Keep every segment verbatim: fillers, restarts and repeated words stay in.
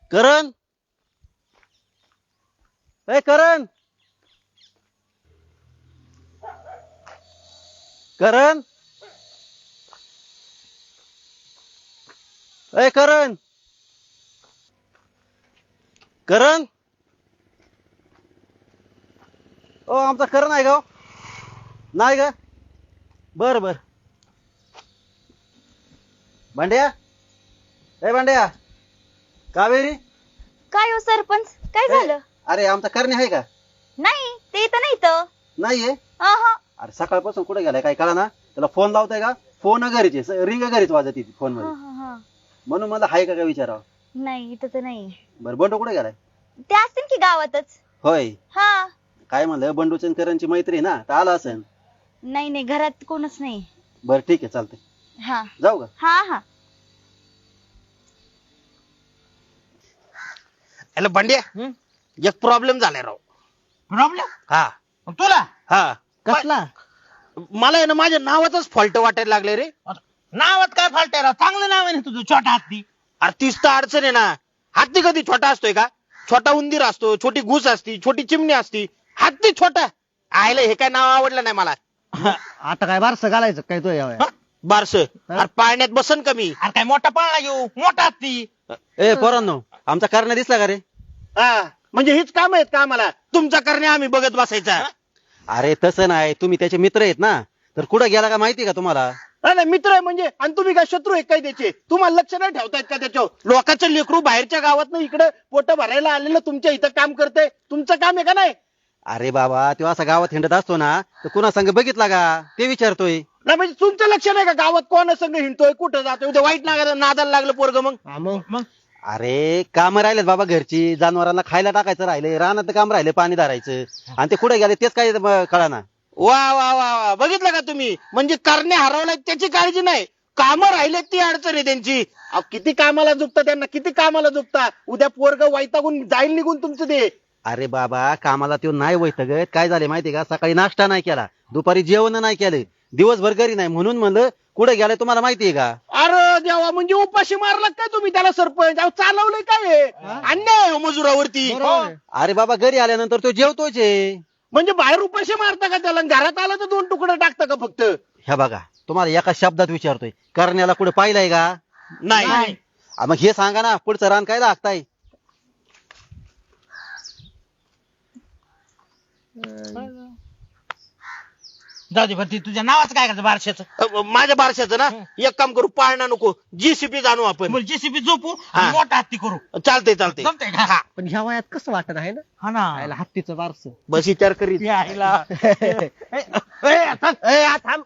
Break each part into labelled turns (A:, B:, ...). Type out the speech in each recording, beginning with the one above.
A: करण ए करण करण ए करण करण ओ आमचा करण आहे का हो? नाही का बर बर भांड्या ए भांड्या कावेरी
B: काय हो सरपंच काय
A: ए,
B: झालं?
A: अरे आमचा करणे आहे का
B: नाही ते तर नाही तर
A: नाहीये
B: अहं.
A: अरे सकाळपासून कुठे गेलाय काय कळा ना त्याला फोन लावताय का फोन घरीचे रिंग घरीच वाजत ती फोन
B: हं,
A: मध्ये
B: हं, हं.
A: म्हणून मला हाय का काय विचारावं
B: नाही इथं तर नाही
A: बरं बंडू कुठे गेलाय
B: ते असतील की गावातच
A: होय
B: हा
A: काय म्हणलं बंडूची आणि करणची मैत्री ना तर आला असेल
B: नाही नाही घरात कोणच नाही
A: बरं ठीक आहे चालतंय
B: हा
A: जाऊ का
B: हा हा
C: याला बंड्या एक प्रॉब्लेम झालाय राव
D: प्रॉब्लेम
C: हा
D: तुला
C: हा
D: कसला
C: मला आहे ना माझ्या नावाचाच फॉल्ट वाटायला लागले रे
D: नावात काय फाल्ट आहे राव? चांगलं नाव आहे ना तुझं छोटा हत्ती
C: अरे तीच तर अडचण आहे ना हत्ती कधी छोटा असतोय का छोटा उंदीर असतो छोटी घुस असती छोटी चिमणी असती हत्ती छोटा आयला हे काय नाव आवडलं नाही मला
D: आता काय बारस घालायचं काय तो या
C: बारस अरे पाळण्यात बसन कमी
D: अरे काय मोठा पाळणा घेऊ मोठा हत्ती
A: ए पोरांनो आमचा करण्या दिसला का रे
C: हा म्हणजे हीच काम आहेत का आम्हाला तुमचा करणे आम्ही बघत बसायचा
A: अरे तसं नाही तुम्ही त्याचे मित्र आहेत ना तर कुठं गेला का माहिती का तुम्हाला
C: नाही नाही, मित्र आहे म्हणजे आणि तुम्ही काय शत्रू आहे काय त्याचे तुम्हाला लक्ष नाही ठेवतायत का त्याच्यावर लोकांचं लेकरू बाहेरच्या गावात इकडे पोट भरायला आलेलं तुमच्या इथं काम करते तुमचं काम आहे का नाही
A: अरे बाबा तो असा गावात हिंडत असतो ना तर कुणा संग बघितला का ते विचारतोय
C: नाही म्हणजे तुमचं लक्ष नाही का गावात कोणा संग हिंडतोय कुठं जातोय उद्या वाईट नागायला नादाला लागलं पोरग मग
D: मग मग
A: अरे काम राहिलेत बाबा घरची जनावरांना खायला टाकायचं राहिले रानात काम राहिले पाणी धरायचं आणि ते कुठे गेले तेच काय कळाना
C: वा वा वा वा बघितलं का तुम्ही म्हणजे करणे हरवलाय त्याची काळजी नाही कामं राहिलेत ती अडचण आहे त्यांची अहो, किती कामाला झुकता त्यांना किती कामाला झुकता उद्या पोरग वैतागून जाईल निघून तुमचं ते
A: अरे बाबा कामाला तो नाही वैतगत काय झाले माहितीये का सकाळी नाश्ता नाही केला दुपारी जेवण नाही केलं दिवसभर घरी नाही म्हणून म्हणलं कुठे गेलाय तुम्हाला माहितीये का
C: अरे देवा म्हणजे उपाशी मारला काय तुम्ही त्याला सरपंच अहो, चालवलंय काय हे? अन्याय आहे हो मजुरावरती
D: बरोबर आहे.
A: अरे बाबा घरी आल्यानंतर तो जेवतोच आहे
C: म्हणजे बाहेर उपाशी मारता का त्याला घरात आला तर दोन तुकडे टाकता का फक्त
A: ह्या बघा तुम्हाला एका शब्दात विचारतोय करण्याला कुठे पाहिलंय का
C: नाही
A: आ, मग हे सांगा ना पुढचं रान काय लागताय
D: जाऊ दे बरं ते तुझ्या नावाचं काय करायचं बारशाचं
C: अ, माझ्या बारशाचं ना एक काम करू पाळणा नको जीसीपी जाणू आपण
D: बोल जेसीबी झोपू
C: हा.
D: आणि मोठा हत्ती करू
C: चालतंय चालतंय
D: जमतंय का?
C: हा.
E: पण ह्या वयात कसं वाटत आहे ना
D: हा ना
E: आयला हत्तीचं बारस
C: बस विचार करीत
D: यायला. ए, ए, थांब. ए, आ, थांब.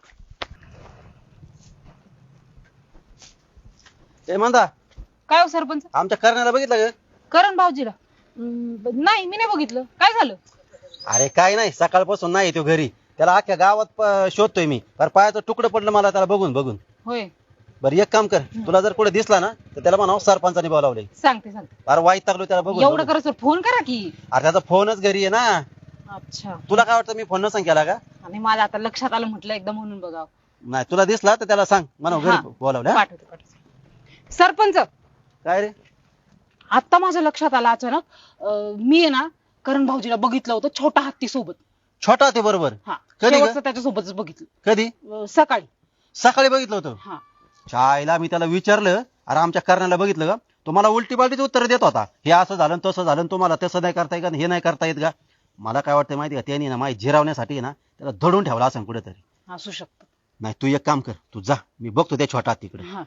A: ए म्हणता
F: काय हो सरपंच
A: आमच्या करण्याला बघितलं का
F: करण भाऊजीला हम्म, ब- नाही मी नाही बघितलं काय झालं
A: अरे काय नाही सकाळपासून नाही तो घरी त्याला अख्ख्या गावात प- शोधतोय मी पर पायाचं तुकडं पडलं मला त्याला बघून बघून
F: होय
A: बरं एक काम कर तुला जर कुठे दिसला ना तर त्याला म्हणावं सरपंचाने बोलावले
F: सांगते सांगते
A: अरे वाईट टाकलो त्याला बघून
F: एवढं
A: बघून.
F: करा सर फोन करा की
A: अरे त्याचा फोनच घरी आहे ना
F: अच्छा
A: तुला काय वाटतं मी फोन नसंग केला का
F: आणि माझं आता लक्षात आलं म्हटलं एकदा म्हणून बघाव
A: नाही तुला दिसला तर त्याला सांग म्हणा
F: हा.
A: घरी बोलावलं हा?
F: पाठवते पाठवते सरपंच
A: काय रे
F: आता माझ्या लक्षात आलं अचानक अं, मी आहे ना करण भाऊजीला बघितलं होतं छोटा हत्ती सोबत
A: छोटा ते बरोबर
F: हा
A: कधी ग?
F: शेवटचं त्याच्यासोबतच बघितलं
A: कधी
F: अं, सकाळी
A: सकाळी बघितलं होतं
F: हा
A: चायला मी त्याला विचारलं अरे आमच्या करण्याला बघितलं का तुम्हाला उलटी पालटीच उत्तर देत होता हे असं झालं आणि तसं झालं आणि तुम्हाला तसं नाही करता येत का हे नाही करता येत का मला काय वाटतं माहिती का त्यांनी ना माहिती झिरावण्यासाठी ना त्याला धडून ठेवला असं कुठेतरी
F: असू शकतं
A: नाही तू एक काम कर तू जा मी बघतो त्या छोटा तिकडे
F: हा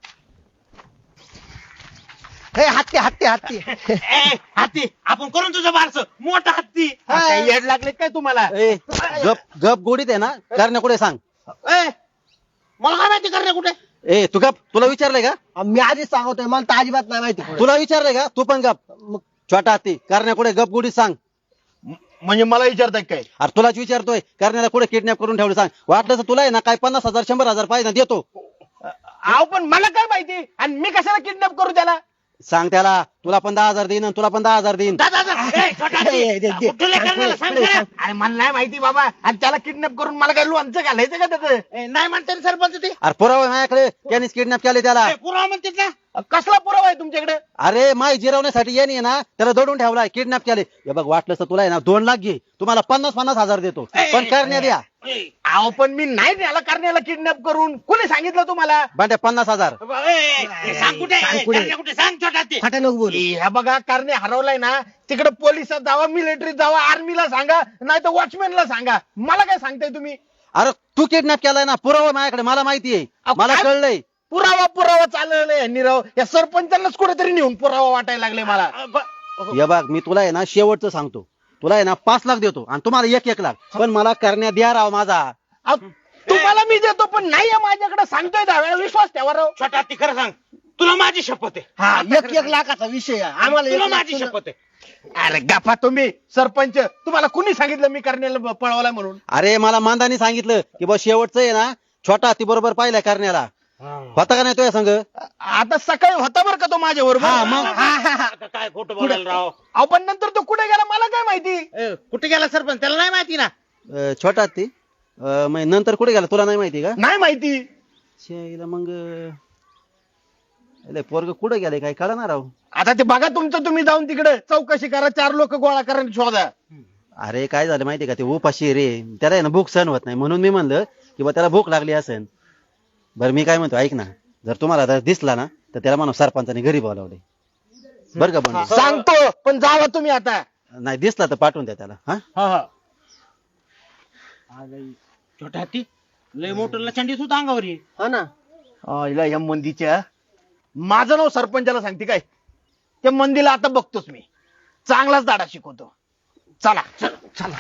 E: हे हत्ती हत्ती हत्ती
D: ए, हत्ती आपण करून तुझं बारस मोठा हत्ती
C: हा, काही येड लागले काय तुम्हाला
A: ए गप गप गोडीत आहे ना करण्या कुठे सांग
C: ए, मला काय माहिती करणे कुठे
A: ए तू गप तुला विचारलंय का
E: मी आधीच सांगतोय मला तर अजिबात नाही माहिती पुढे.
A: तुला विचारलंय का तू पण गप मग छोटा हत्ती करण्या कुठे गप गोडीत सांग
C: म्हणजे मला विचारताय काय
A: अरे तुलाच विचारतोय करण्याला कुठे किडनॅप करून ठेवलं सांग वाटलं तर तुला आहे ना काय पन्नास हजार शंभर हजार पाहिजे ना देतो
C: अहो पण मला काय माहिती आणि मी कशाला किडनॅप करू त्याला
A: सांग त्याला तुला पण दहा हजार देईन आणि तुला पण दहा हजार देईन.
D: जा, जा, जा. ए, छोटा हत्ती.
E: ए, दे, दे.
D: कुठल्या करण्याला सांग जरा.
C: अरे मला नाही माहिती बाबा आणि त्याला किडनॅप करून मला काय लोणचं घालायचं का त्याचं
D: ए, नाही म्हणते ना सरपंच ते
A: अरे पुरावा आहे माझ्याकडे त्यांनीच किडनॅप केले त्याला.
D: ए, पुरावा म्हणतात ना.
C: कसला पुरावा आहे तुमच्याकडे
A: अरे माय जिरवण्यासाठी येणे आहे ना त्याला दडून ठेवलाय किडनॅप केले. हे बघ वाटलं तर तुला आहे ना दोन लाख घे तुम्हाला पन्नास पन्नास हजार देतो पण करण्यात द्या.
D: ए,
C: अहो पण मी नाही त्याला करण्याला किडनॅप करून कोणी सांगितलं तुम्हाला
A: बांड्या पन्नास हजार.
D: ए, ए, सांग कुठे
E: सांग
D: ए,
E: कुठे?
D: करण्या कुठे सांग छोटा हत्ती.
E: फाटा नको बोल.
C: ह्या बघा कारणे हरवलाय ना तिकडे पोलिसात जावा मिलिटरीत जावा आर्मीला सांगा नाही तर वॉचमॅनला सांगा मला काय सांगताय तुम्ही
A: अरे तू किडनॅप केलाय ना पुरावा माझ्याकडे मला माहिती आहे
C: अहो,
A: मला
C: काय?
A: कळलंय.
C: पुरावा पुरावा चालवलाय निराव या सरपंचांनाच कुठेतरी नेऊन पुरावा वाटायला लागले मला
D: अ, ब-
A: हे बघ मी तुला आहे ना शेवटचं सांगतो तुला आहे ना पाच लाख देतो आणि तुम्हाला एक एक लाख पण मला करण्यात द्या राव माझा.
C: अहो, तुम्हाला मी देतो पण नाही आहे माझ्याकडे सांगतोय दहा वेळा विश्वास ठेवा राव
D: छोटा हत्ती खरं सांग तुला माझी शपथ आहे.
E: हा एक एक लाखाचा विषय आहे. आम्हाला
D: तुला
E: एक लाख
D: माझी
E: तुला-
D: शपथ आहे.
C: अरे गप्पा तुम्ही सरपंच तुम्हाला कुणी सांगितलं मी करण्याला पळवलाय म्हणून
A: अरे मला मांदानी सांगितलं की बा शेवटचं आहे ना छोटा ती बरोबर पाहिलाय करण्याला होता का नाही तो संघ.
C: आता सकाळी होता बरं का तो माझ्या बरोबर
A: हा, मग?
D: आता काय खोटं बोलायला राव.
C: अहो पण नंतर तो कुठे गेला मला काय माहिती
D: ए, कुठे गेला सरपंच त्याला नाही माहिती ना.
A: अं, छोटा ती अं, मग नंतर कुठे गेला तुला नाही माहिती का.
C: नाही माहिती
A: शेला मग पोरग कुठे गेले काय कळणार राव.
C: आता ते बघा तुमचं तुम्ही जाऊन तिकडे चौकशी करा चार लोक गोळा करा आणि शोधा
A: अरे काय झालं माहिती का ते उपाशी रे त्याला आहे ना भूक सहन होत नाही म्हणून मी म्हणलं की बा त्याला भूक लागली असेल. बरं मी काय म्हणतो ऐक ना जर तुम्हाला जर दिसला ना तर त्याला म्हणून सरपंचाने घरी बोलावले बरं का बंडू.
C: सांगतो पण जावा तुम्ही आता
A: नाही दिसला तर पाठवून द्या त्याला. हा
D: छोटा हत्ती लय मोठं लचंडी सुद्धा अंगावर ये.
E: हा ना
C: अं, हिला या मंदीच्या माझं नाव सरपंचाला सांगते काय त्या मंदीला आता बघतोच मी चांगलाच दाडा शिकवतो चला
D: चल चल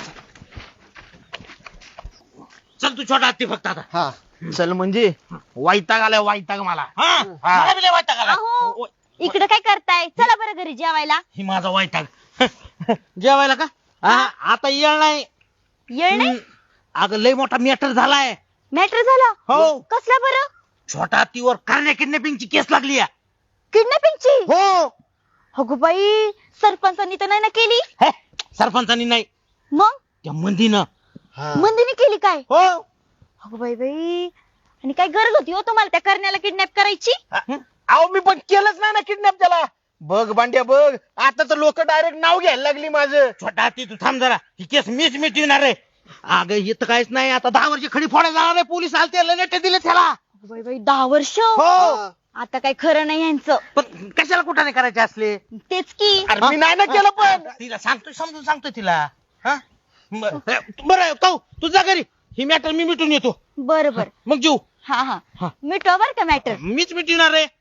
D: चल तू छोटा हत्ती फक्त आता.
E: हा
C: चल म्हणजे वैताग आलाय वैताग मला
D: हा मला बी लय वैताग आला.
B: अहो इकडे काय करताय चला बरं घरी जेवायला.
D: ही माझा वैताग जेवायला का हा, आता येळ नाही.
B: येळ नाही
D: अगं लय मोठा मॅटर झालाय.
B: मॅटर झाला
D: हो.
B: कसला बरं.
D: छोटा हत्तीवर करण्या किडनॅपिंगची केस लागली आहे.
B: किडनॅपिंगची.
D: हो
B: अगो बाई सरपंचांनी तर नाही ना केली.
D: हे, सरपंचानी नाही
B: मग
D: त्या मंदीनं.
B: मंदिनी केली काय.
D: हो
B: अगो बाई बाई आणि काय गरज होती हो तुम्हाला त्या करण्याला किडनॅप करायची.
C: अहो मी पण केलंच नाही ना किडनॅप त्याला बघ बांड्या बघ आता तर लोक डायरेक्ट नाव घ्यायला लागली माझं
D: छोटा हत्ती तू थांब जरा ही केस मीच मिटविणार आहे. अगं इथं काहीच नाही आता दहा वर्ष खडी फोडा जाणार आहे पोलीस आलते लनेटे दिले त्याला.
B: अगो बाई बाई दहा वर्ष.
D: हो
B: आता काय खरं नाही यांचं.
D: पण कशाला कुठाने करायचे असले.
B: तेच की.
C: अरे मी नाही ना केलं पण
D: तिला सांगतोय समजून सांगतोय तिला. हा ब- बरं काऊ तुझा घरी ही मॅटर मी मिटून येतो
B: बरं बरं
D: मग जीव
B: हा
D: हा.
B: हा मिटवा बर का मॅटर.
D: मीच मिटविणार आहे.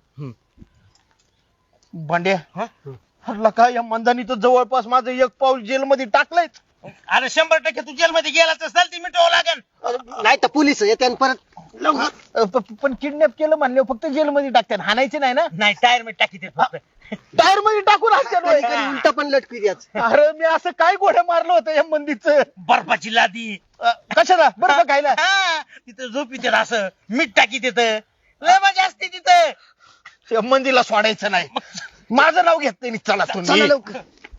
C: बांड्या
D: हा?
C: हरला का या मंदानी तर जवळपास माझं एक पाऊल जेलमध्ये टाकलंय
D: अरे शंभर टक्के तू जेलमध्ये गेलाच असेल ती मिटवावं लागेल.
E: नाही तर पोलीस येते आणि परत
C: पण किडनॅप केलं म्हणले फक्त जेलमध्ये टाकतात हाणायचे नाही ना
D: नाही टायर मीठ टाकी फक्त.
C: टायर मध्ये टाकून
E: कधी कधी
C: हाणतात
E: उलट पण लटकी द्याच.
C: अरे मी असं काय गोड्या मारलं होतं या मंदीचं
D: बर्फाची लादी
C: कशाला बर्फ खायला
D: हा, तिथं झोपी तिथं असं मीठ टाकी तिथं लय मजा असते तिथं.
C: या मंदीला सोडायचं नाही माझं नाव घेत नाही चला
E: चला
C: तुम्ही
E: लवकर.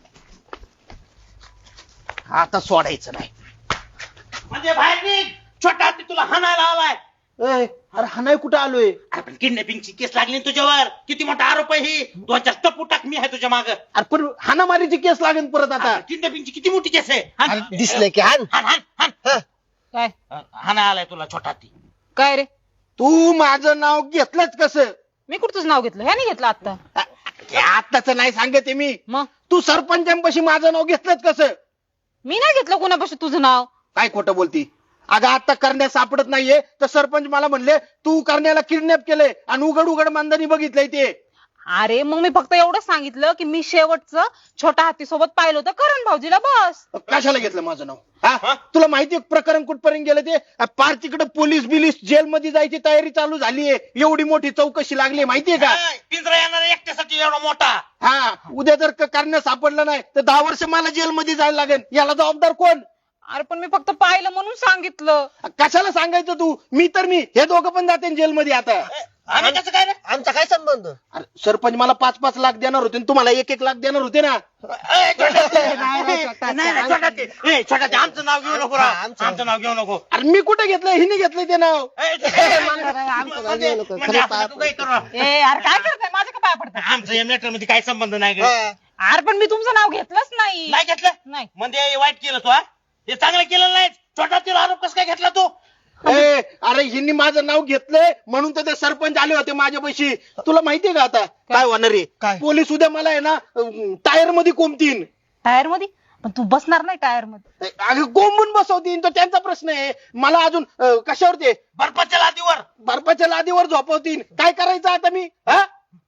C: आता सोडायचं नाही
D: म्हणजे बाहेर निघ छोटा हत्ती तुला हाणायला आलाय.
C: ए, अरे हाणाय कुठं आलोय
D: आपण किडनॅपिंगची केस लागली ना तुझ्यावर किती मोठा आरोप आहे ही दोन चार टप्पू टाक मी आहे तुझ्या माग.
C: अरे पण हाणामारीची केस लागेल परत आता
D: किडनॅपिंगची किती मोठी केस आहे. हाण.
E: अरे दिसलंय की हान.
D: हाण हाण हाण
F: काय
D: हाणाय आलाय तुला छोटा हत्ती.
F: काय रे
C: तू माझं नाव घेतलंच कसं
F: मी कुठचंच नाव घेतलं ह्याने घेतलं आता.
C: आताच नाही सांगते मी
F: मग
C: तू सरपंचांपाशी माझं नाव घेतलंच कसं
F: मी नाही घेतलं कोणापाशी तुझं नाव.
C: काय खोटं बोलती अगं आता करण्यात सापडत नाहीये तर सरपंच मला म्हणले तू करण्याला किडनॅप केलंय आणि उघड उघड मांदानी बघितलंय ते.
F: अरे मग मी फक्त एवढंच सांगितलं की मी शेवटचं छोटा हत्ती सोबत पाहिलं होतं करण भाऊजीला बस.
C: कशाला घेतलं माझं नाव हा तुला माहितीये प्रकरण कुठपर्यंत गेलं ते पार तिकडे पोलीस बिलीस जेलमध्ये जायची तयारी चालू झालीये एवढी मोठी चौकशी लागली माहितीये का.
D: काय, पिंजरा येणार एकट्यासाठी एवढा मोठा.
C: हा उद्या जर करण्यात सापडलं नाही तर दहा वर्ष मला जेलमध्ये जायला लागेल याला जबाबदार कोण.
F: अरे पण मी फक्त पाहिलं म्हणून सांगितलं.
C: कशाला सांगायचं तू? मी तर मी हे दोघं पण जाते जेलमध्ये आता.
D: आम्ही कसं काय रे?
E: आमचा काय संबंध?
C: अरे सरपंच मला पाच पाच लाख देणार होते आणि तुम्हाला एक एक लाख देणार होते ना.
D: ए, छोटा ते. नाही नाही छोटा ते. ए, छोटा ते, आमचं नाव घेऊ नको राव.
E: हा, आमचं.
D: आमचं नाव घेऊ नको.
C: अरे मी कुठे घेतलं? हिने घेतलं ते नाव.
D: ए,
E: आमचं नाव घेऊ नको.
D: म्हणजे असं तू काही करू नका.
F: ए यार काय करताय? माझं का पाय पडतं?
D: आमचं या मॅटर मध्ये काही संबंध नाही ग.
E: हा.
F: अरे पण मी तुमचं नाव घेतलंच नाही.
D: नाही घेतलं
F: नाही.
D: म्हणजे वाईट केलं तू हा? हे चांगलं केलं नाही. छोटा तिला आरोप कसं काय घेतला तू?
C: ए, अरे हिने माझं नाव घेतलंय म्हणून तर ते सरपंच आले होते माझ्या पैशी. तुला माहितीये का आता काय होणार आहे?
E: काय?
C: पोलीस उद्या मला आहे ना टायर मध्ये कोंबतीन.
F: टायर मध्ये? पण तू बसणार नाही टायर मध्ये.
C: अगं कोंबून बसवतीन तो त्यांचा प्रश्न आहे. मला अजून अं, कशावर ते
D: बर्फाच्या लादीवर.
C: बर्फाच्या लादीवर झोपवतीन. काय करायचं आता मी? हा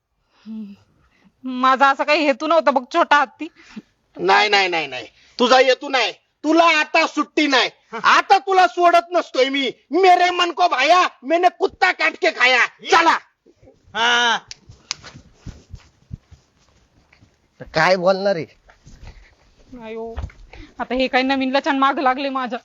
F: माझा असा काही हेतू नव्हता बघ छोटा हत्ती.
C: नाही नाही नाही नाही तुझा येतू नाही. तुला आता सुट्टी नाही. आता तुला सोडत नसतोय मी. मेरे मन को भाया मैंने कुत्ता काट के खाया. चला.
D: हा
E: तर काय बोलणार आहे?
F: अयो आता हे काही नवीन लचण माग लागले माझ्या.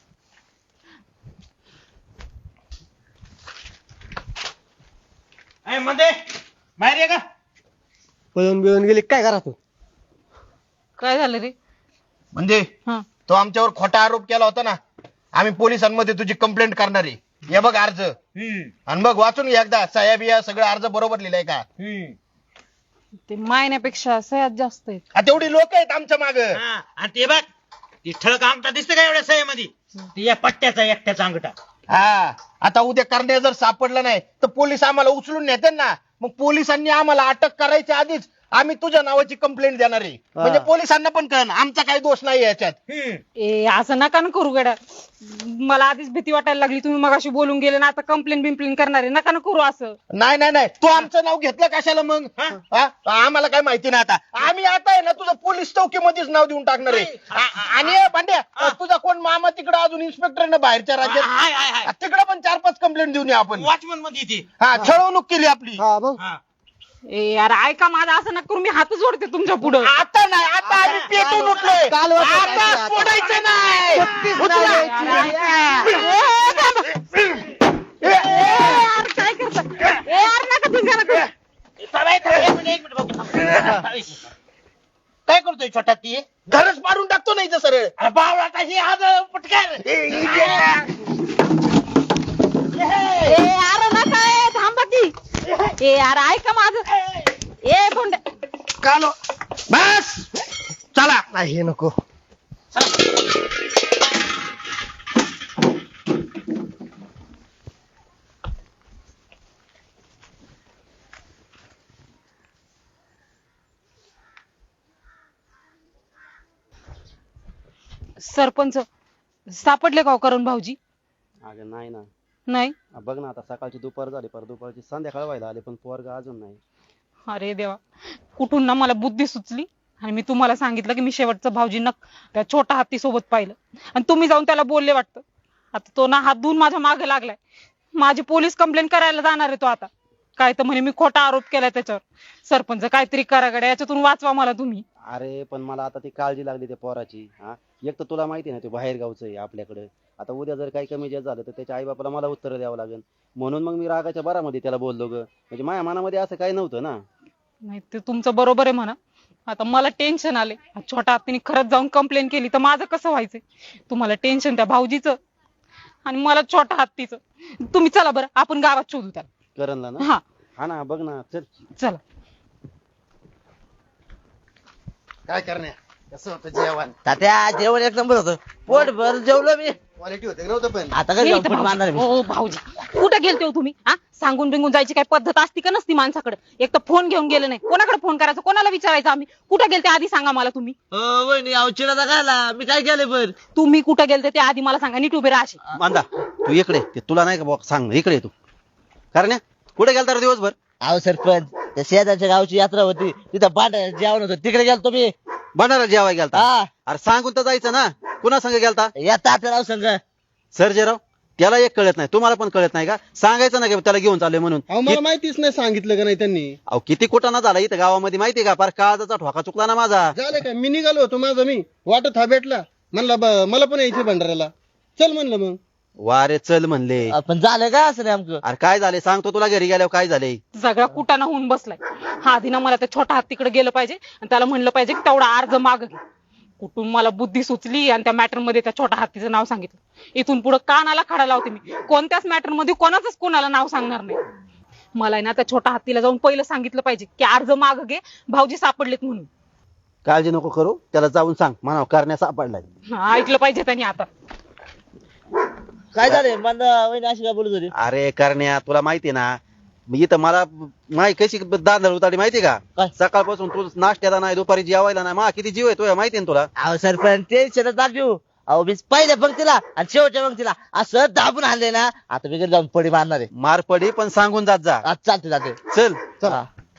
D: ए, मध्ये बाहेर ये का?
E: पळून बिळून गेली काय करा तू?
F: काय झालं रे?
C: म्हणजे
F: हा
C: तो आमच्यावर खोटा आरोप केला होता ना. आम्ही पोलिसांमध्ये तुझी कंप्लेंट करणार आहे. हे बघ अर्ज
D: हम्म,
C: आणि बघ वाचून घे एकदा. साहेब या सगळं अर्ज बरोबर लिहिलाय का?
D: हम्म.
F: ते मायण्यापेक्षा सह्यात जास्त आहेत.
C: आ, तेवढी लोक आहेत आमच्या माग.
D: हा, आणि ते बघ ती ठळक अंगठा दिसतं का एवढ्या सह्यामध्ये? ती या पट्ट्याचा एकट्याचा अंगठा.
C: हा आता उद्या करण्या जर सापडलं नाही तर पोलीस आम्हाला उचलून नेते ना. मग पोलिसांनी आम्हाला अटक करायच्या आधीच आम्ही तुझ्या नावाची कंप्लेंट देणार आहे. म्हणजे पोलिसांना पण कळण आमचा काही दोष नाही याच्यात.
D: हम्म.
F: ए असं नका ना करू गड्या. मला आधीच भीती वाटायला लागली. तुम्ही मगाशी बोलून गेले ना आता कंप्लेन बिम्प्लेन करणार आहे. नका ना करू असं.
C: नाही नाही नाही तू आमचं नाव घेतलं कशाला मग? हा? आम्हाला काय माहिती नाही. आता आम्ही आता आहे ना तुझं पोलीस चौकीमध्येच नाव देऊन टाकणार आहे. आ- आणि ए, भांड्या तुझा कोण मामा तिकडे अजून इन्स्पेक्टर ना बाहेरच्या राज्यात.
D: हाय हाय हाय.
C: तिकडे पण चार पाच कंप्लेंट देऊन ये आपण.
D: वॉचमन मध्ये ती.
C: हा छळवणूक केली आपली.
E: हा मग
D: हा.
F: ए यार ऐका माझं असं नका करू. मी हातच जोडते तुमच्या पुढं.
C: आता नाही आता आम्ही पेटून उठलोय.
E: काल होतं
C: आता
E: काय ते
C: सोडायचं नाही.
E: सुट्टीच
C: उचला.
E: नाही द्यायची.
F: ए, थांबा. ए, यार काय करता? ए यार नका तुम्ही नका.
D: थांबा, थांबा, एक मिनिट, एक मिनिट बघू. काय करतोय छोटा ती?
C: घरच मारून टाकतो नाही तर सरळ.
D: अरे बावळा आता हे आज पटकन.
F: ए यार नका. ए थांबा की. ए यार ऐका माझं. ए बोंड.
C: कालो बस चला.
E: नाही हे नको.
F: सरपंच सापडले का हो करून भाऊजी?
A: अगं नाही ना.
F: नाही.
A: बघ ना आता सकाळची दुपार झाली पर दुपारची संध्याकाळ व्हायला आले पण पोरगा अजून नाही.
F: अरे देवा कुठून ना मला बुद्धी सुचली आणि मी तुम्हाला सांगितलं की मी शेवटचं भाऊजींना त्या छोटा हत्ती सोबत पाहिलं आणि तुम्ही जाऊन त्याला बोलले वाटतं. आता तो ना हात धुवून माझ्या मागे लागलाय. माझी पोलीस कंप्लेंट करायला जाणार आहे तो आता. काय तर म्हणे मी खोटा आरोप केलाय त्याच्यावर. सरपंच काहीतरी करा गड्या. याच्यातून वाचवा मला तुम्ही.
A: अरे पण मला आता ती काळजी लागली त्या पोराची. हा एक तर तुला माहिती ना ते बाहेर गावचं आहे आपल्याकडे. आता उद्या जर काही कमी जास्त झालं तर त्याच्या आई बापाला मला उत्तर द्यावं लागेल. म्हणून मग मी रागाच्या भरामध्ये त्याला बोललो ग. म्हणजे माझ्या मनामध्ये असं काही नव्हतं ना.
F: नाही ते तुमचं बरोबर आहे म्हणा. आता मला टेन्शन आले. छोटा हत्तीने खरंच जाऊन कंप्लेंट केली तर माझं कसं व्हायचंय? तुम्हाला टेन्शन त्या भाऊजीचं आणि मला छोटा हत्तीचं. तुम्ही चला बरं आपण गावात शोधू त्याला.
A: करणला ना.
F: हा
A: हा ना बघ ना चल.
F: चला.
E: काय करण्या कसं होतं जेवण?
G: तात्या जेवण एक नंबर होतं. पोट भर जेवलो मी.
E: क्वालिटी होते नव्हतं पण.
G: आता
F: ये
G: काय
F: इथं
G: फुट मारणार
F: भाऊजी.
G: मी.
F: ओ भाऊजी कुठे गेलते हो तुम्ही? हा सांगून बिंगून जायची काय पद्धत असती का नसती माणसाकडे? एक तर फोन घेऊन गेले नाही. कोणाकडे फोन करायचा? कोणाला विचारायचं आम्ही? कुठे गेलते आधी सांगा मला तुम्ही.
G: हो वहिनी अवचिला खायला मी काय केलं बर?
F: तुम्ही कुठे गेलते ते आधी मला सांगा. नीट उभे राहा असे.
A: मांदा तू इकडे ते तुला नाही का बुवा सांग इकडे ये तू. कारण कुठे गेलता रे दिवसभर?
G: अहो सरपंच त्या शेजारच्या गावची यात्रा होती तिथं पाठ जेवण होतं तिकडे गेलतो मी.
A: भंडारा जेवाय गेलता?
G: हा
A: अरे सांगून तर जायचं ना. कुणा संग गेलता?
G: या तात्या राव संघ.
A: सर्जेराव त्याला एक कळत नाही. तुम्हाला पण कळत नाही का? सांगायचं ना की त्याला घेऊन चालले म्हणून.
E: अहो मला माहितीच नाही सांगितलं का नाही त्यांनी.
A: अहो किती कुटाणा झाला इथं गावामध्ये माहितीये का? फार काळजाचा ठोका चुकला ना माझा.
E: झालं काय? मी निघालो होतो माझं मी वाटत हा भेटला म्हणला ब- मला पण यायचं भंडाऱ्याला. चल म्हणलं मग.
A: वारे चल म्हणले.
G: पण झालं काय असं नेमकं?
A: अरे काय झाले सांगतो तुला, घरी गेल्यावर काय झाले.
F: सगळा कुटाणा होऊन बसलाय. हा आधी ना मला त्या छोट्या हत्तीकडे गेलं पाहिजे आणि त्याला म्हणलं पाहिजे की तेवढा अर्ज माग घे. कुठून मला बुद्धी सुचली आणि त्या मॅटर मध्ये त्या छोट्या हत्तीचं नाव सांगितलं. इथून पुढे कानाला खडा लावते मी, कोणत्याच मॅटर मध्ये कोणाचंच कोणाला नाव सांगणार नाही. मला आहे ना त्या छोट्या हत्तीला जाऊन पहिलं सांगितलं पाहिजे की अर्ज माग घे, भाऊजी सापडलेत म्हणून.
A: काळजी नको करू, त्याला जाऊन सांग म्हणावं करण्या सापडलाय.
F: हा, ऐकलं पाहिजे त्यांनी आता.
G: काय झालंय मंदा वहिनी अशी काय बोलत होती?
A: अरे करण्या तुला माहिती ना, मी इथं मला माही कशी दादर उतारी माहिती का.
G: काय?
A: सकाळपासून तू नाश्त्याला नाही, दुपारी जेवायला नाही, मा किती जीव आहे तुझ्या माहिती ना तुला.
G: अहो सरपंच टेन्शन दाबू. अहो मी पहिल्या पंक्तीला आणि शेवटच्या पंक्तीला असं दाबून आणले ना, आता मी घरी जाऊन पडी मारणार आहे.
A: मार पडी पण सांगून जात जा.
G: आज चालते जाते.
A: चल
G: चला.